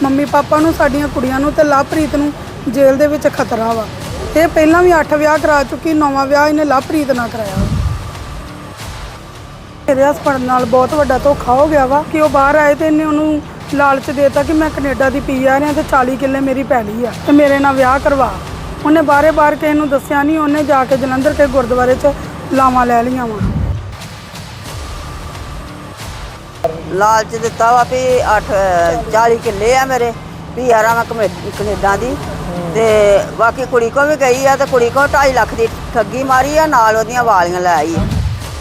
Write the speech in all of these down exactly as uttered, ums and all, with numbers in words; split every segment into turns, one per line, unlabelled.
Mummy papa ਨੂੰ, ਸਾਡੀਆਂ ਕੁੜੀਆਂ ਨੂੰ ਤੇ ਲਵਪ੍ਰੀਤ ਨੂੰ ਜੇਲ੍ਹ ਦੇ ਵਿੱਚ ਖਤਰਾ ਵਾ। ਇਹ ਪਹਿਲਾਂ ਵੀ ਅੱਠ ਵਿਆਹ ਕਰਾ ਚੁੱਕੀ, ਨੌਵਾਂ ਵਿਆਹ ਇਹਨੇ ਲਵਪ੍ਰੀਤ ਨਾਲ ਕਰਾਇਆ। ਮੇਰੇ ਹਸਬੈਂਡ ਨਾਲ ਬਹੁਤ ਵੱਡਾ ਧੋਖਾ ਹੋ ਗਿਆ ਵਾ ਕਿ ਉਹ ਬਾਹਰ ਆਏ ਤੇ ਇਹਨੇ ਉਹਨੂੰ ਲਾਲਚ ਦੇਤਾ ਕਿ ਮੈਂ ਕੈਨੇਡਾ ਦੀ ਪੀ ਆ ਰਿਹਾ ਤੇ ਚਾਲੀ ਕਿੱਲੇ ਮੇਰੀ ਪੈਲੀ ਆ ਤੇ ਮੇਰੇ ਨਾਲ ਵਿਆਹ ਕਰਵਾ। ਉਹਨੇ ਬਾਰੇ ਬਾਰ ਕਿਸੇ ਨੂੰ ਦੱਸਿਆ ਨਹੀਂ, ਉਹਨੇ ਜਾ ਕੇ ਜਲੰਧਰ ਕੇ ਗੁਰਦੁਆਰੇ 'ਚ ਲਾਵਾਂ ਲੈ ਲਈਆਂ ਵਾ।
ਲਾਲਚ ਦਿੱਤਾ ਵਾ ਵੀ ਅੱਠ ਚਾਲੀ ਕਿੱਲੇ ਆ ਮੇਰੇ ਵੀ ਯਾਰਾਂ ਮੈਂ ਕੈਨੇਡਾ ਦੀ ਤੇ ਬਾਕੀ ਕੁੜੀ ਕੋ ਵੀ ਗਈ ਆ ਤੇ ਕੁੜੀ ਕੋ ਢਾਈ ਲੱਖ ਦੀ ਠੱਗੀ ਮਾਰੀ ਆ, ਨਾਲ ਉਹਦੀਆਂ ਵਾਲੀਆਂ ਲੈ ਆਈ ਆ।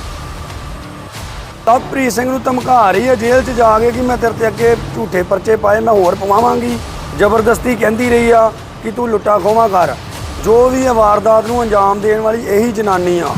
ਲਵਪ੍ਰੀਤ ਸਿੰਘ ਨੂੰ ਧਮਕਾ ਰਹੀ ਹੈ ਜੇਲ੍ਹ 'ਚ ਜਾ ਕੇ ਕਿ ਮੈਂ ਤੇਰੇ ਤੇ ਅੱਗੇ ਝੂਠੇ ਪਰਚੇ ਪਾਏ, ਮੈਂ ਹੋਰ ਪਵਾਵਾਂਗੀ। ਜ਼ਬਰਦਸਤੀ ਕਹਿੰਦੀ ਰਹੀ ਆ ਕਿ ਤੂੰ ਲੁੱਟਾ ਖੋਹਾਂ ਕਰ। ਜੋ ਵੀ ਇਹ ਵਾਰਦਾਤ ਨੂੰ ਅੰਜਾਮ ਦੇਣ ਵਾਲੀ ਇਹੀ ਜਨਾਨੀ ਆ।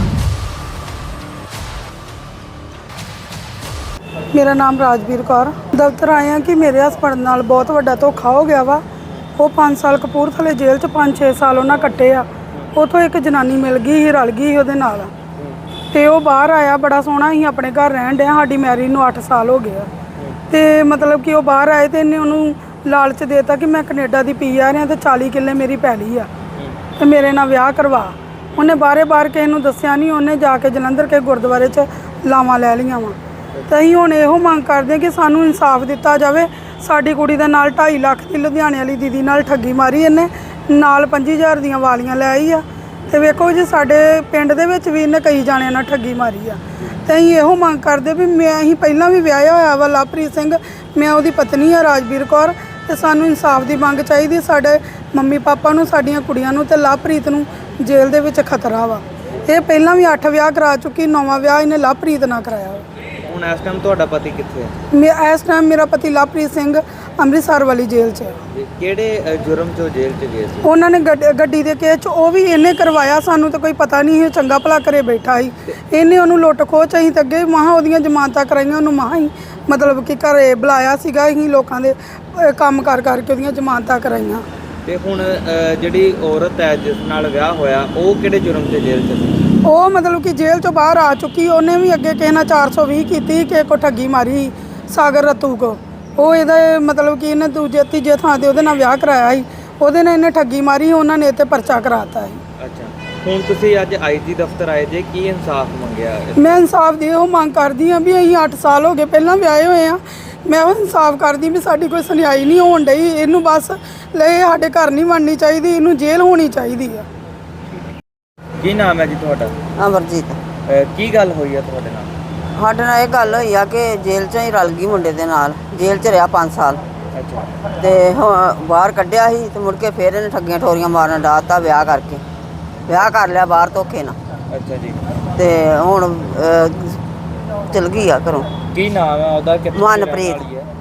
ਮੇਰਾ ਨਾਮ ਰਾਜਵੀਰ ਕੌਰ। ਦਫ਼ਤਰ ਆਏ ਆ ਕਿ ਮੇਰੇ ਹਸਬੈਂਡ ਨਾਲ ਬਹੁਤ ਵੱਡਾ ਧੋਖਾ ਹੋ ਗਿਆ ਵਾ। ਉਹ ਪੰਜ ਸਾਲ ਕਪੂਰਥਲੇ ਜੇਲ੍ਹ 'ਚ ਪੰਜ ਛੇ ਸਾਲ ਉਹਨਾਂ ਕੱਟੇ ਆ। ਉੱਥੋਂ ਇੱਕ ਜਨਾਨੀ ਮਿਲ ਗਈ ਸੀ, ਰਲ ਗਈ ਸੀ ਉਹਦੇ ਨਾਲ ਤੇ ਉਹ ਬਾਹਰ ਆਇਆ। ਬੜਾ ਸੋਹਣਾ ਸੀ, ਆਪਣੇ ਘਰ ਰਹਿਣ ਡਿਆ। ਸਾਡੀ ਮੈਰਿਜ ਨੂੰ ਅੱਠ ਸਾਲ ਹੋ ਗਏ ਆ ਤੇ ਮਤਲਬ ਕਿ ਉਹ ਬਾਹਰ ਆਏ ਤੇ ਇਹਨੇ ਉਹਨੂੰ ਲਾਲਚ ਦੇਤਾ ਕਿ ਮੈਂ ਕੈਨੇਡਾ ਦੀ ਪੀ ਆ ਰਿਹਾ ਤੇ ਚਾਲੀ ਕਿੱਲੇ ਮੇਰੀ ਪੈਲੀ ਆ ਤੇ ਮੇਰੇ ਨਾਲ ਵਿਆਹ ਕਰਵਾ। ਉਹਨੇ ਬਾਰੇ ਬਾਰ ਕਿਸੇ ਨੂੰ ਦੱਸਿਆ ਨਹੀਂ, ਉਹਨੇ ਜਾ ਕੇ ਜਲੰਧਰ ਕੇ ਗੁਰਦੁਆਰੇ 'ਚ ਲਾਵਾਂ ਲੈ ਲਈਆਂ ਵਾ। ਤੇ ਅਸੀਂ ਹੁਣ ਇਹੋ ਮੰਗ ਕਰਦੇ ਕਿ ਸਾਨੂੰ ਇਨਸਾਫ ਦਿੱਤਾ ਜਾਵੇ। ਸਾਡੀ ਕੁੜੀ ਦੇ ਨਾਲ ਢਾਈ ਲੱਖ ਦੀ ਲੁਧਿਆਣੇ ਵਾਲੀ ਦੀਦੀ ਨਾਲ ਠੱਗੀ ਮਾਰੀ ਇਹਨੇ, ਨਾਲ ਪੰਜੀ ਹਜ਼ਾਰ ਦੀਆਂ ਵਾਲੀਆਂ ਲੈ ਆਈ ਆ। ਤੇ ਵੇਖੋ ਜੀ ਸਾਡੇ ਪਿੰਡ ਦੇ ਵਿੱਚ ਵੀ ਇਹਨੇ ਕਈ ਜਾਣਿਆਂ ਨਾਲ ਠੱਗੀ ਮਾਰੀ ਆ। ਤੇ ਅਸੀਂ ਇਹੋ ਮੰਗ ਕਰਦੇ ਵੀ ਮੈਂ ਅਸੀਂ ਪਹਿਲਾਂ ਵੀ ਵਿਆਹਿਆ ਹੋਇਆ ਵਾ ਲਵਪ੍ਰੀਤ ਸਿੰਘ, ਮੈਂ ਉਹਦੀ ਪਤਨੀ ਆ ਰਾਜਵੀਰ ਕੌਰ ਤੇ ਸਾਨੂੰ ਇਨਸਾਫ ਦੀ ਮੰਗ ਚਾਹੀਦੀ। ਸਾਡੇ ਮੰਮੀ ਪਾਪਾ ਨੂੰ, ਸਾਡੀਆਂ ਕੁੜੀਆਂ ਨੂੰ ਤੇ ਲਵਪ੍ਰੀਤ ਨੂੰ ਜੇਲ੍ਹ ਦੇ ਵਿੱਚ ਖਤਰਾ ਵਾ। ਇਹ ਪਹਿਲਾਂ ਵੀ ਅੱਠ ਵਿਆਹ ਕਰਾ ਚੁੱਕੀ, ਨੌਵਾਂ ਵਿਆਹ ਇਹਨੇ ਲਵਪ੍ਰੀਤ ਨਾਲ ਕਰਾਇਆ ਵਾ।
ਹੁਣ ਇਸ ਟਾਈਮ ਤੁਹਾਡਾ ਪਤੀ ਕਿੱਥੇ ਹੈ?
ਮੈਂ ਇਸ ਟਾਈਮ ਮੇਰਾ ਪਤੀ ਲਵਪ੍ਰੀਤ ਸਿੰਘ ਅੰਮ੍ਰਿਤਸਰ ਵਾਲੀ ਜੇਲ੍ਹ 'ਚ ਹੈ।
ਕਿਹੜੇ ਜੁਰਮ 'ਚੋਂ ਜੇਲ੍ਹ 'ਚ ਗਏ ਸੀ?
ਉਹਨਾਂ ਨੇ ਗੱਡੀ ਦੇ ਕੇਸ 'ਚ ਉਹ ਵੀ ਇਹਨੇ ਕਰਵਾਇਆ। ਸਾਨੂੰ ਤਾਂ ਕੋਈ ਪਤਾ ਨਹੀਂ ਸੀ, ਚੰਗਾ ਭਲਾ ਘਰੇ ਬੈਠਾ ਸੀ। ਇਹਨੇ ਉਹਨੂੰ ਲੁੱਟ ਖੋਹ 'ਚ ਅਸੀਂ ਤਾਂ ਅੱਗੇ ਮਹਾਂ ਉਹਦੀਆਂ ਜ਼ਮਾਨਤਾਂ ਕਰਾਈਆਂ, ਉਹਨੂੰ ਮਹਾਂ ਹੀ ਮਤਲਬ ਕਿ ਘਰੇ ਬੁਲਾਇਆ ਸੀਗਾ। ਅਸੀਂ ਲੋਕਾਂ ਦੇ ਕੰਮ ਕਰ ਕਰਕੇ ਉਹਦੀਆਂ ਜ਼ਮਾਨਤਾਂ ਕਰਾਈਆਂ।
ਤੇ ਹੁਣ ਜਿਹੜੀ ਔਰਤ ਹੈ ਜਿਸ ਨਾਲ ਵਿਆਹ ਹੋਇਆ ਉਹ ਕਿਹੜੇ ਜੁਰਮ 'ਚ ਜੇਲ੍ਹ 'ਚ ਸੀ?
ਉਹ ਮਤਲਬ ਕਿ ਜੇਲ੍ਹ 'ਚੋਂ ਬਾਹਰ ਆ ਚੁੱਕੀ। ਉਹਨੇ ਵੀ ਅੱਗੇ ਕਿਸੇ ਨਾਲ ਚਾਰ ਸੌ ਵੀਹ ਕੀਤੀ, ਕਿਸੇ ਕੋ ਠੱਗੀ ਮਾਰੀ ਸਾਗਰ ਰਤੂ ਕੋ। ਉਹ ਇਹਦਾ ਮਤਲਬ ਕਿ ਇਹਨੇ ਦੂਜੇ ਤੀਜੇ ਥਾਂ 'ਤੇ ਉਹਦੇ ਨਾਲ ਵਿਆਹ ਕਰਾਇਆ ਸੀ। ਉਹਦੇ ਨਾਲ ਇਹਨੇ ਠੱਗੀ ਮਾਰੀ, ਉਹਨਾਂ ਨੇ ਇਹ 'ਤੇ ਪਰਚਾ ਕਰਾਤਾ ਸੀ।
ਅੱਛਾ, ਹੁਣ ਤੁਸੀਂ ਅੱਜ ਆਈ ਜੀ ਦਫ਼ਤਰ ਆਏ ਜੇ, ਕੀ ਇਨਸਾਫ ਮੰਗਿਆ?
ਮੈਂ ਇਨਸਾਫ ਦੀ ਉਹ ਮੰਗ ਕਰਦੀ ਹਾਂ ਵੀ ਅਸੀਂ ਅੱਠ ਸਾਲ ਹੋ ਗਏ ਪਹਿਲਾਂ ਵਿਆਹੇ ਹੋਏ ਆ। ਮੈਂ ਉਹ ਇਨਸਾਫ ਕਰਦੀ ਵੀ ਸਾਡੀ ਕੋਈ ਸੁਣਵਾਈ ਨਹੀਂ ਹੋਣ ਡਈ। ਇਹਨੂੰ ਬਸ ਲੈ ਸਾਡੇ ਘਰ ਨਹੀਂ ਬਣਨੀ ਚਾਹੀਦੀ, ਇਹਨੂੰ ਜੇਲ੍ਹ ਹੋਣੀ ਚਾਹੀਦੀ ਆ।
ਕੀ ਨਾਮ ਹੈ ਜੀ ਤੁਹਾਡਾ?
ਅਮਰਜੀਤ।
ਕੀ ਗੱਲ ਹੋਈ ਹੈ ਤੁਹਾਡੇ ਨਾਲ?
ਸਾਡੇ ਨਾਲ ਇਹ ਗੱਲ ਹੋਈ ਆ ਕਿ ਜੇਲ੍ਹ 'ਚੋਂ ਹੀ ਰਲ ਗਈ ਮੁੰਡੇ ਦੇ ਨਾਲ। ਜੇਲ੍ਹ 'ਚ ਰਿਹਾ ਪੰਜ ਸਾਲ
ਅੱਛਾ।
ਤੇ ਹੁਣ ਬਾਹਰ ਕੱਢਿਆ ਸੀ ਤੇ ਮੁੜ ਕੇ ਫਿਰ ਇਹਨੇ ਠੱਗੀਆਂ ਠੋਰੀਆਂ ਮਾਰਨ ਡਾਤਾ ਵਿਆਹ ਕਰਕੇ। ਵਿਆਹ ਕਰ ਲਿਆ ਬਾਹਰ ਧੋਖੇ ਨਾਲ।
ਅੱਛਾ ਜੀ।
ਤੇ ਹੁਣ ਚਲ ਗਈ ਆ ਘਰੋਂ।
ਕੀ ਨਾਮ ਹੈ ਉਹਦਾ?
ਮਨਪ੍ਰੀਤ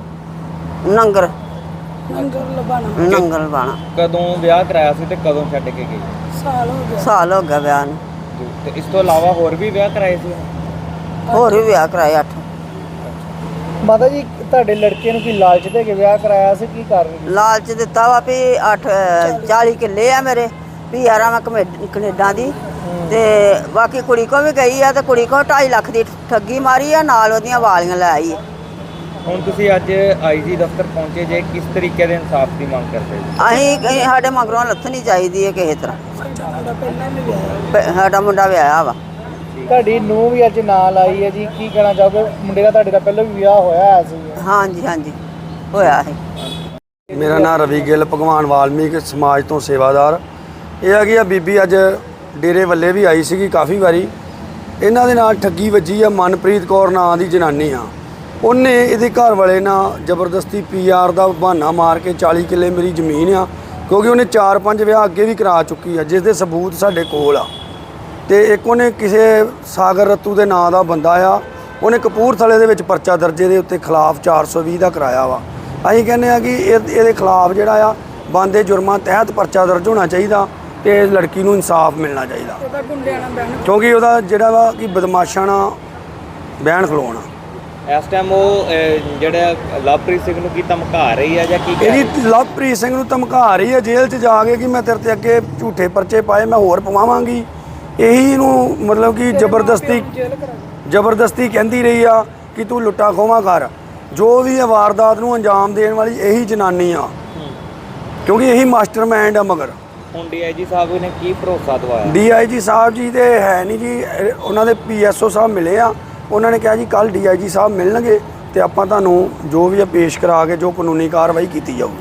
ਨੰਗਰ
ਨੰਗਰ ਲਬਾਣਾ।
ਨੰਗਲ ਬਾਣਾ।
ਕਦੋਂ ਵਿਆਹ ਕਰਾਇਆ ਸੀ ਤੇ ਕਦੋਂ ਛੱਡ ਕੇ ਗਈ?
ਸਾਲ ਹੋ ਗਿਆ।
ਸਾਲ ਹੋ ਗਿਆ ਵਿਆਹ ਨੂੰ।
ਤੇ ਇਸ ਤੋਂ ਇਲਾਵਾ ਹੋਰ ਵੀ ਵਿਆਹ ਕਰਾਏ ਸੀ?
ਹੋਰ ਵੀ ਵਿਆਹ ਕਰਾਏ ਅੱਠ।
ਮਾਤਾ ਜੀ ਤੁਹਾਡੇ ਲੜਕੇ ਨੂੰ ਕੀ ਲਾਲਚ ਦੇ ਕੇ ਵਿਆਹ ਕਰਾਇਆ ਸੀ? ਕੀ ਕਰ ਰਹੀ?
ਲਾਲਚ ਦਿੱਤਾ ਵਾ ਵੀ ਅੱਠ ਚਾਲੀ ਕਿੱਲੇ ਆ ਮੇਰੇ ਵੀ ਯਾਰਾਂ ਮੈਂ ਕੈਨੇਡਾ ਦੀ ਤੇ ਬਾਕੀ ਕੁੜੀ ਕੋ ਵੀ ਗਈ ਆ ਤੇ ਕੁੜੀ ਕੋ ਢਾਈ ਲੱਖ ਦੀ ਠੱਗੀ ਮਾਰੀ ਆ, ਨਾਲ ਉਹਦੀਆਂ ਵਾਲੀਆਂ ਲੈ ਆਈ ਆ।
ਹੁਣ ਤੁਸੀਂ ਅੱਜ ਆਈ ਜੀ ਦਫ਼ਤਰ ਪਹੁੰਚੇ ਜੇ, ਕਿਸ ਤਰੀਕੇ ਦੇ ਇਨਸਾਫ ਦੀ ਮੰਗ ਕਰਦੇ ਜੀ?
ਅਸੀਂ ਸਾਡੇ ਮਗਰੋਂ ਲੱਥਣੀ ਚਾਹੀਦੀ ਹੈ ਕਿਸੇ ਤਰ੍ਹਾਂ। ਸਾਡਾ ਮੁੰਡਾ ਵਿਆਹਿਆ ਵਾ।
ਤੁਹਾਡੀ ਨੂੰਹ ਵੀ ਅੱਜ ਨਾਲ ਆਈ ਹੈ ਜੀ, ਕੀ ਕਹਿਣਾ ਚਾਹੋਗੇ? ਮੁੰਡੇ ਦਾ ਤੁਹਾਡੇ ਦਾ ਪਹਿਲਾਂ ਵੀ ਵਿਆਹ ਹੋਇਆ ਸੀ?
ਹਾਂਜੀ ਹਾਂਜੀ ਹੋਇਆ ਹੈ।
ਮੇਰਾ ਨਾਮ ਰਵੀ ਗਿੱਲ, ਭਗਵਾਨ ਵਾਲਮੀਕ ਸਮਾਜ ਤੋਂ ਸੇਵਾਦਾਰ। ਇਹ ਹੈਗੀ ਆ ਬੀਬੀ ਅੱਜ ਡੇਰੇ ਵੱਲੇ ਵੀ ਆਈ ਸੀਗੀ ਕਾਫੀ ਵਾਰੀ। ਇਹਨਾਂ ਦੇ ਨਾਲ ਠੱਗੀ ਵੱਜੀ ਆ। ਮਨਪ੍ਰੀਤ ਕੌਰ ਨਾਂ ਦੀ ਜਨਾਨੀ ਆ। ਉਹਨੇ ਇਹਦੇ ਘਰ ਵਾਲੇ ਨਾਲ ਜ਼ਬਰਦਸਤੀ ਪੀ ਆਰ ਦਾ ਬਹਾਨਾ ਮਾਰ ਕੇ ਚਾਲੀ ਕਿੱਲੇ ਮੇਰੀ ਜ਼ਮੀਨ ਆ, ਕਿਉਂਕਿ ਉਹਨੇ ਚਾਰ ਪੰਜ ਵਿਆਹ ਅੱਗੇ ਵੀ ਕਰਾ ਚੁੱਕੀ ਆ ਜਿਸ ਦੇ ਸਬੂਤ ਸਾਡੇ ਕੋਲ ਆ। ਤੇ ਇੱਕ ਉਹਨੇ ਕਿਸੇ ਸਾਗਰ ਰਤੂ ਦੇ ਨਾਂ ਦਾ ਬੰਦਾ ਆ, ਉਹਨੇ ਕਪੂਰਥਲੇ ਦੇ ਵਿੱਚ ਪਰਚਾ ਦਰਜੇ ਦੇ ਉੱਤੇ ਖਿਲਾਫ ਚਾਰ ਸੌ ਵੀਹ ਦਾ ਕਰਾਇਆ ਵਾ। ਅਸੀਂ ਕਹਿੰਦੇ ਆ ਕਿ ਇਹ ਇਹਦੇ ਖਿਲਾਫ ਜਿਹੜਾ ਆ ਬਣਦੇ ਜੁਰਮਾਂ ਤਹਿਤ ਪਰਚਾ ਦਰਜ ਹੋਣਾ ਚਾਹੀਦਾ ਤੇ ਇਸ ਲੜਕੀ ਨੂੰ ਇਨਸਾਫ ਮਿਲਣਾ ਚਾਹੀਦਾ, ਕਿਉਂਕਿ ਉਹਦਾ ਜਿਹੜਾ ਵਾ ਕਿ ਬਦਮਾਸ਼ਾਂ ਨਾਲ ਬਹਿਣ ਖਲੋਣਾ।
ਇਸ ਟਾਈਮ ਉਹ ਜਿਹੜਾ ਲਵਪ੍ਰੀਤ ਸਿੰਘ ਨੂੰ ਕੀ ਧਮਕਾ ਰਹੀ ਹੈ ਜਾਂ ਕੀ?
ਇਹਦੀ ਲਵਪ੍ਰੀਤ ਸਿੰਘ ਨੂੰ ਧਮਕਾ ਰਹੀ ਹੈ ਜੇਲ੍ਹ 'ਚ ਜਾ ਕੇ ਕਿ ਮੈਂ ਤੇਰੇ ਤੇ ਅੱਗੇ ਝੂਠੇ ਪਰਚੇ ਪਾਏ, ਮੈਂ ਹੋਰ ਪਵਾਵਾਂਗੀ। ਇਹੀ ਨੂੰ ਮਤਲਬ ਕਿ ਜ਼ਬਰਦਸਤੀ ਜ਼ਬਰਦਸਤੀ ਕਹਿੰਦੀ ਰਹੀ ਆ ਕਿ ਤੂੰ ਲੁੱਟਾ ਖੋਹਾਂ ਕਰ। ਜੋ ਵੀ ਇਹ ਵਾਰਦਾਤ ਨੂੰ ਅੰਜਾਮ ਦੇਣ ਵਾਲੀ ਇਹੀ ਜਨਾਨੀ ਆ, ਕਿਉਂਕਿ ਇਹੀ ਮਾਸਟਰਮਾਈਂਡ ਆ। ਮਗਰ
ਹੁਣ ਡੀਆਈਜੀ ਸਾਹਿਬ ਨੇ ਕੀ ਭਰੋਸਾ ਦਵਾਇਆ?
ਡੀਆਈਜੀ ਸਾਹਿਬ ਜੀ ਦੇ ਹੈ ਨਹੀਂ ਜੀ, ਇਹ- ਉਹਨਾਂ ਦੇ ਪੀਐਸਓ ਸਾਹਿਬ ਮਿਲੇ ਆ, ਉਹਨਾਂ ਨੇ ਕਿਹਾ ਜੀ ਕੱਲ ਡੀਆਈਜੀ ਸਾਹਿਬ ਮਿਲਣਗੇ ਤੇ ਆਪਾਂ ਤੁਹਾਨੂੰ ਜੋ ਵੀ ਆ ਪੇਸ਼ ਕਰਾ ਕੇ ਜੋ ਕਾਨੂੰਨੀ ਕਾਰਵਾਈ ਕੀਤੀ ਜਾਊਗੀ।